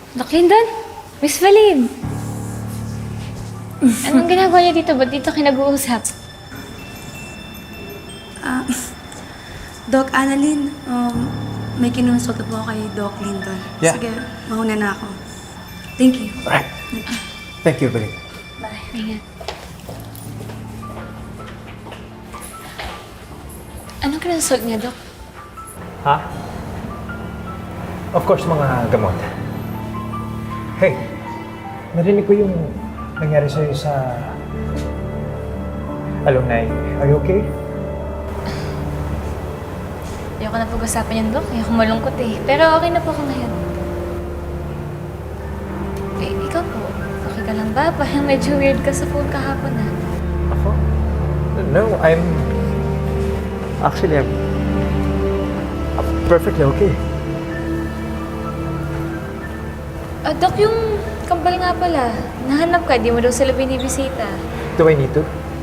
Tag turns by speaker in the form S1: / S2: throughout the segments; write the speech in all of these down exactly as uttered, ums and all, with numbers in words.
S1: Doc Lyndon? Miss Valid? Anong ginagawa niyo dito? Ba't dito kayo nag-uusap?
S2: Ah, Doc Annalyn, um, may kinonsulta po ako kay Doc Lyndon.
S3: Yeah.
S2: Sige, mauna na ako. Thank you.
S3: Alright. Thank you, Balik.
S1: Bye. Ingat. Anong kinonsult niya, Doc?
S3: Ha? Of course, mga gamot. Hey, narinig ko yung nangyari sa'yo sa alumni. Are you okay?
S1: Ayoko na pag-usapan yun, Doc. Ayoko malungkot eh. Pero okay na po ako ngayon. Eh, ikaw po. Okay ka lang ba? Parang medyo weird ka sa phone kahapon ah.
S3: Ako? No, I'm... Actually, I'm... I'm perfectly okay.
S1: Ah, Doc, yung kambal nga pala. Nahanap ka, di mo daw sila binibisita.
S3: Do I need to?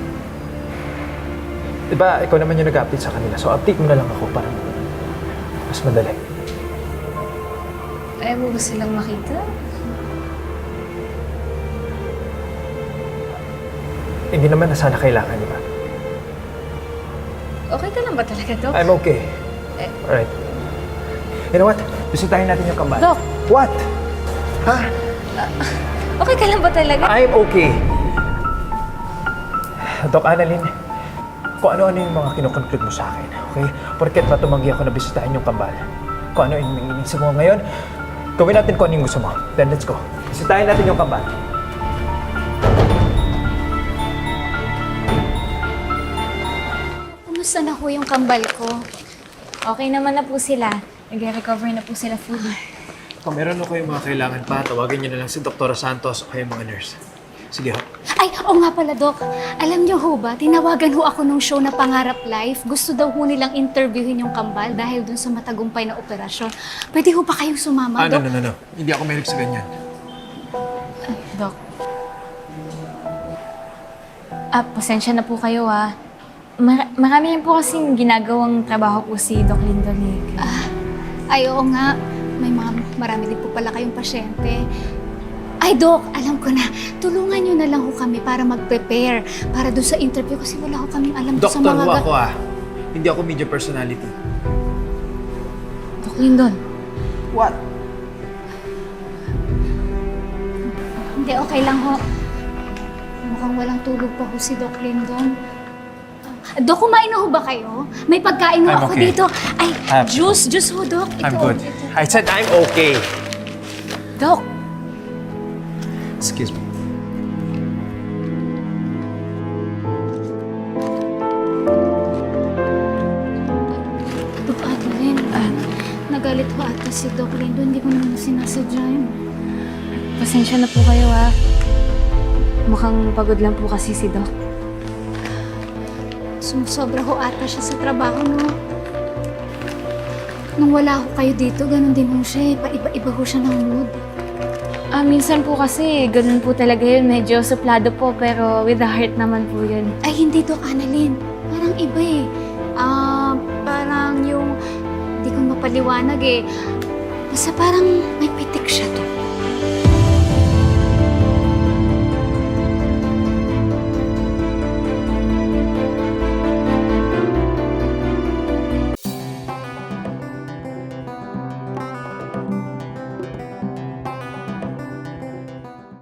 S3: Diba, ikaw naman yung nag-update sa kanila. So, update mo na lang ako para mas madali.
S1: Ayaw mo ba silang makita?
S3: Hindi naman na sana kailangan, di ba?
S1: Okay ka lang ba talaga, Doc?
S3: I'm okay.
S1: Eh.
S3: Alright. You know what? Bisitahin natin yung kambal.
S1: Doc!
S3: What? Ha?
S1: Okay ka lang ba talaga?
S3: I'm okay. Doc Annalyn, kung ano-ano yung mga kinukonclude mo sa akin, okay? Porket ba tumanggi ako na bisitahin yung kambal? Kung ano yung inisip mo ngayon, gawin natin kung ano yung gusto mo. Then let's go. Bisitahin natin yung kambal.
S1: Kumusta na po yung kambal ko? Okay naman na po sila. Nag-recover na po sila fully.
S3: Kung meron ako yung mga kailangan pa, tawagin niyo na lang si Doktora Santos o kayong mga nurse. Sige ho.
S4: Ay, oo nga pala, Doc. Alam niyo ho ba, tinawagan ho ako nung show na Pangarap Life. Gusto daw ho nilang interviewin yung kambal dahil dun sa matagumpay na operasyon. Pwede ho pa kayong sumama,
S3: Ah, no,
S4: Doc?
S3: no, no, no. Hindi ako mahilig sa ganyan.
S1: Ay, Doc. Ah, pasensya na po kayo ah. Mar- marami rin po kasing ginagawang trabaho po si Doc Lyndon eh.
S4: Ah, ay, oo nga. May mga marami din po pala kayong pasyente. Ay, Doc, alam ko na. Tulungan niyo na lang ho kami para mag-prepare para doon sa interview kasi wala ho kaming alam doon sa
S3: Doktor
S4: mga...
S3: ho
S4: ga-
S3: ako ah. Hindi ako media personality.
S1: Doc Lyndon.
S3: What?
S4: Hindi, okay lang ho. Mukhang walang tulog pa ho si Doc Lyndon. Ah, Doc, kumain na ho ba kayo? May pagkain ho
S3: I'm
S4: ako
S3: okay.
S4: dito. Ay,
S3: I'm-
S4: juice, juice ho, Doc. Ito,
S3: I'm good.
S4: ito.
S3: I said I'm okay.
S1: Doc!
S3: Excuse me.
S4: Doc Adeline, ah, nagalit ho ata si Doc Lyndon. Hindi ko naman sinasadya yun.
S1: Pasensya na po kayo ah. Mukhang pagod lang po kasi si Doc.
S4: Sumusobra ho ata siya sa trabaho, no? Nung wala ho kayo dito, ganun din ho siya eh. Paiba-iba ho siya ng mood.
S1: Ah, minsan po kasi ganun po talaga yun. Medyo suplado po pero with the heart naman po yun.
S4: Ay, hindi, Doc Annalyn. Parang iba eh. Ah, parang yung... Hindi ko mapaliwanag eh. Basta parang may pitik siya,